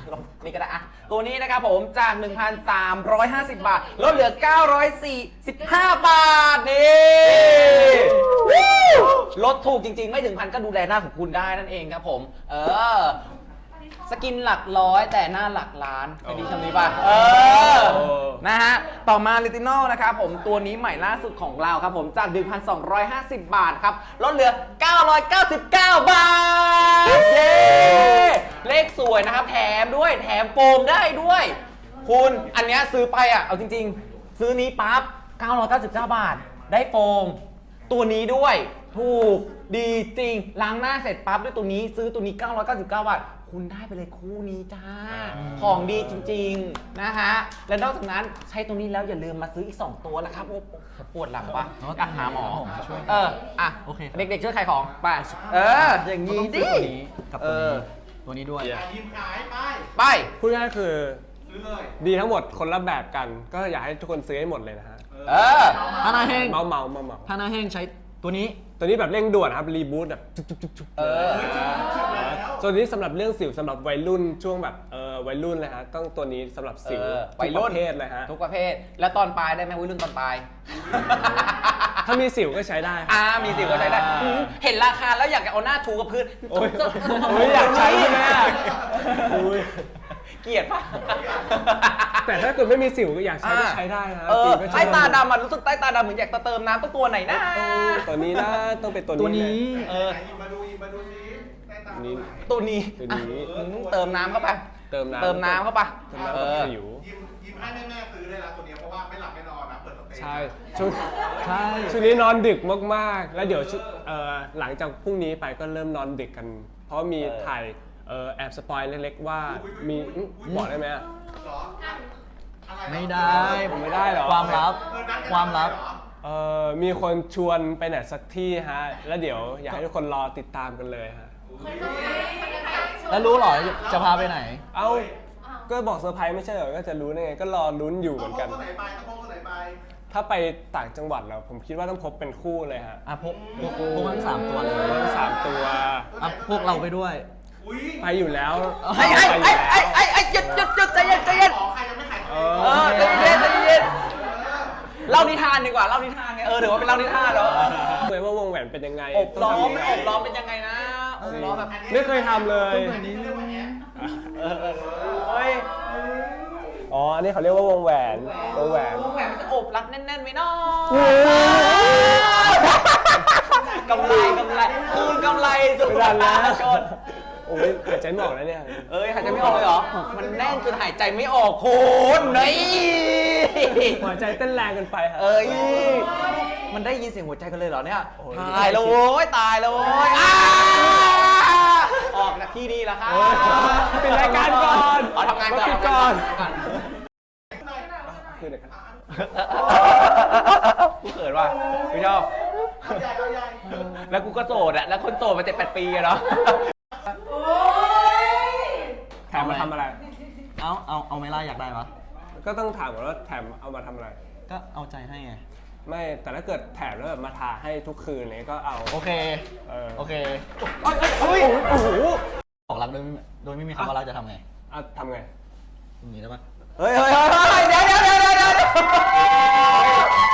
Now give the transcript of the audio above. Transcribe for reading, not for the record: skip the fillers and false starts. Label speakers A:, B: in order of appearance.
A: นี่ก็ได้อะตัวนี้นะครับผมจาก 1,350 บาทลดเหลือ 945 บาทนี่ลดถูกจริงๆไม่ถึงพันก็ดูแลหน้าของคุณได้นั่นเองครับผมสกินหลักร้อยแต่หน้าหลักล้านไปดีคำนี้ป่ะนะฮะต่อมาลิตินอลนะครับผมตัวนี้ใหม่ล่าสุดของเราครับผมจาก 1,250 บาทครับลดเหลือ 999 บาทเย้เลขสวยนะครับแถมด้วยแถมโฟมได้ด้วยคุณอันเนี้ยซื้อไปอ่ะเอาจริงๆซื้อนี้ปั๊บ 999 บาทได้โฟมตัวนี้ด้วยถูกดีจริงล้างหน้าเสร็จปั๊บด้วยตัวนี้ซื้อตัวนี้ 999 บาทคุณได้ไปเลยคู่นี้จ้าของดีจริงๆนะฮะและนอกจากนั้นใช้ตรงนี้แล้วอย่าลืมมาซื้ออีก2ตัวนะครับปวดหลังปะก็หาหมอโอเคเด็กๆช่วยขายของไปอย่างนี้ดิ
B: กับตัวนี้ด้วย
C: ทีมขาย
A: ไป
D: พูดง่ายๆคือ
C: ซื้อเลย
D: ดีทั้งหมดคนละแบบกันก็อยากให้ทุกคนซื้อให้หมดเลยนะฮะ
B: ถ้าหน้าแห้ง
D: เมา
B: ถ้าหน้าแห้งใช้ตัวนี้
D: แบบเร่งด่วนครับรีบูตแบบจุ๊บตัวนี้สำหรับเรื่องสิวสำหรับวัยรุ่นช่วงแบบวัยรุ่นเลยฮะต้องตัวนี้สำหรับสิว
A: วัยรุ่น
D: ประเภทเลยฮะ
A: ทุกประเภทแล้วตอนปลายได้ไหมวัยรุ่นตอนปลาย
D: ถ้ามีสิวก็ใช้ได้
A: มีสิวก็ใช้ได้เห็นราคาแล้วอยากจะเอาหน้าถูกับพื้น
D: อยากใช้ใช่ไหม
A: เกลียดปะ
D: แต่ถ้าเกิดไม่มีสิวก็อยากใช้ก็ใช้ได้นะ
A: ใต้ตาดำมันรู้สึกใต้ตาดำเหมือนอยากเติมน้ำตัวไหนนะ
D: ตัวนี้นะต้องเป็นตัวนี้
C: มาดูนี้
A: ตัวนี้เติมน้ำเข้าไปเติมน้ำเข้าไป
D: สิว
C: ยิ้มให้แม่ซื้อเลยนะตัวนี้เพราะว่าไม่หลับไม่นอนนะเปิดสเตจ
D: ใช่ช่วงนี้นอนดึกมากๆแล้วเดี๋ยวหลังจากพรุ่งนี้ไปก็เริ่มนอนดึกกันเพราะมีถ่ายแอบสปอยเล็กๆว่ามีบอกได้ไหม
B: ไม่ได้
D: ผมไม่ได้หรอ
B: ความลับ
D: มีคนชวนไปไหนสักที่ฮะแล้วเดี๋ยวอยากให้ทุกคนรอติดตามกันเลยฮะ
B: แล้วรู้หรอจะพาไปไหน
D: ก็บอกเซอร์ไพรส์ไม่ใช่เหรอก็จะรู้ได้ไงก็รอลุ้นอยู่เหมือนกันถ้าไปต่างจังหวัดแล้วผมคิดว่าต้องพบเป็นคู่เลยฮะ
B: พกทั้ง3 ตัวเลย
D: 3 ตัว
B: พวกเราไปด้วย
D: ไปอยู่แล้ว
A: จุดใจเย็น
C: ใครยังไม่ขาย
A: ใจเย็นเล่านิทานดีกว่าเล่านิทานไงเดี๋ยวว่าเป็นเล่านิทานเหรอ
D: เคยว่าวงแหวนเป็นยังไง
A: อบล้อมเป็นยังไงนะอบล้อมแบบ
D: ไม่เคยทำเลยอันนี้เขาเรียกว่าวงแหวน
A: มันจะอบรัดแน่นๆไหมน้องกำไรคืนกำไรสุดชน
D: โอ้ยหายใจไม่ออกแล้วเนี่ย
A: หายใจไม่ออกเลยเหรอมันแน่นจนหายใจไม่ออกคุณนี่
D: หัวใจเต้นแรงกันไปครับ
A: มันได้ยินเสียงหัวใจกันเลยเหรอเนี่ยตายแล้วโว้ยออกจากที่นี่แล้วครับ
D: ปิดรายการก่อน
A: ทำงานก่อน
D: คือเด็กครับ
A: กูเขินว่ะกูชอบแล้วกูก็โสดอะแล้วคนโสดมา7-8 ปีอะเนาะ
D: แถมมาทำอะไร
B: เอาไม่ล่าอยากได้ปะ
D: ก็ต้องถามก่อนว่าแถมเอามาทำอะไร
B: ก็เอาใจให้ไง
D: ไม่แต่ถ้าเกิดแถมแล้วแบบมาทาให้ทุกคืนเนี่ยก็เอา
B: โอเคโอเค
D: โอ้โห
B: บอกรักโดยไม่มีคำว่ารักจะทำไง
D: ทำไง
B: อย่างนี้ได้ปะ
A: เฮ้ยเดี๋ยว